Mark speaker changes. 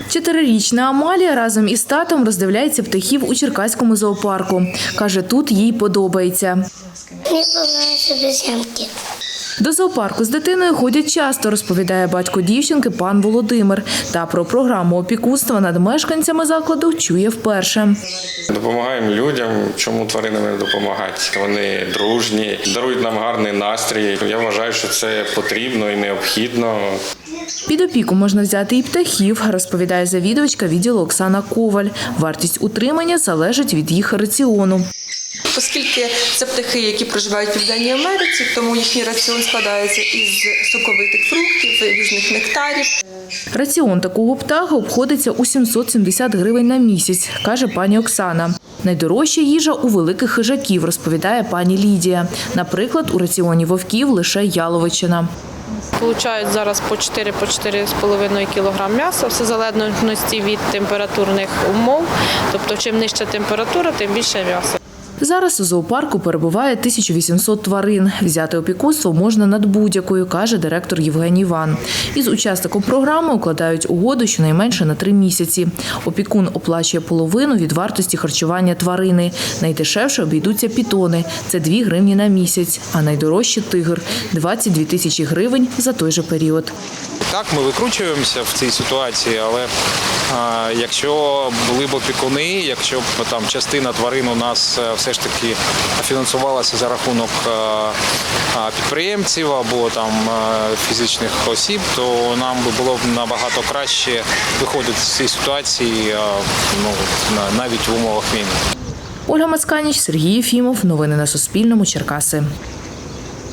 Speaker 1: 4-річна Амалія разом із татом роздивляється птахів у Черкаському зоопарку. Каже, тут їй подобається.
Speaker 2: Мені подобаються обезьянки.
Speaker 1: До зоопарку з дитиною ходять часто, розповідає батько дівчинки пан Володимир. Та про програму опікунства над мешканцями закладу чує вперше.
Speaker 3: Допомагаємо людям, чому тваринам не допомагати. Вони дружні, дарують нам гарний настрій. Я вважаю, що це потрібно і необхідно.
Speaker 1: Під опіку можна взяти і птахів, розповідає завідувачка відділу Оксана Коваль. Вартість утримання залежить від їх раціону.
Speaker 4: Оскільки це птахи, які проживають в Південній Америці, тому їхній раціон складається із соковитих фруктів, різних нектарів.
Speaker 1: Раціон такого птаха обходиться у 770 гривень на місяць, каже пані Оксана. Найдорожча їжа у великих хижаків, розповідає пані Лідія. Наприклад, у раціоні вовків лише яловичина.
Speaker 5: Получають зараз по 4-4,5 кг м'яса, все в залежності від температурних умов. Тобто, чим нижча температура, тим більше м'яса.
Speaker 1: Зараз у зоопарку перебуває 1800 тварин. Взяти опікунство можна над будь-якою, каже директор Євгеній Ван. Із учасником програми укладають угоду щонайменше на 3 місяці. Опікун оплачує половину від вартості харчування тварини. Найдешевше обійдуться пітони – це 2 гривні на місяць, а найдорожче – тигр – 22 тисячі гривень за той же період.
Speaker 6: Так, ми викручуємося в цій ситуації, але якщо були б опікуни, якщо б там частина тварин у нас все ж таки фінансувалася за рахунок підприємців або там фізичних осіб, то нам би було б набагато краще виходити з цієї ситуації, навіть в умовах війни.
Speaker 1: Ольга Мацканіч, Сергій Єфімов. Новини на Суспільному. Черкаси.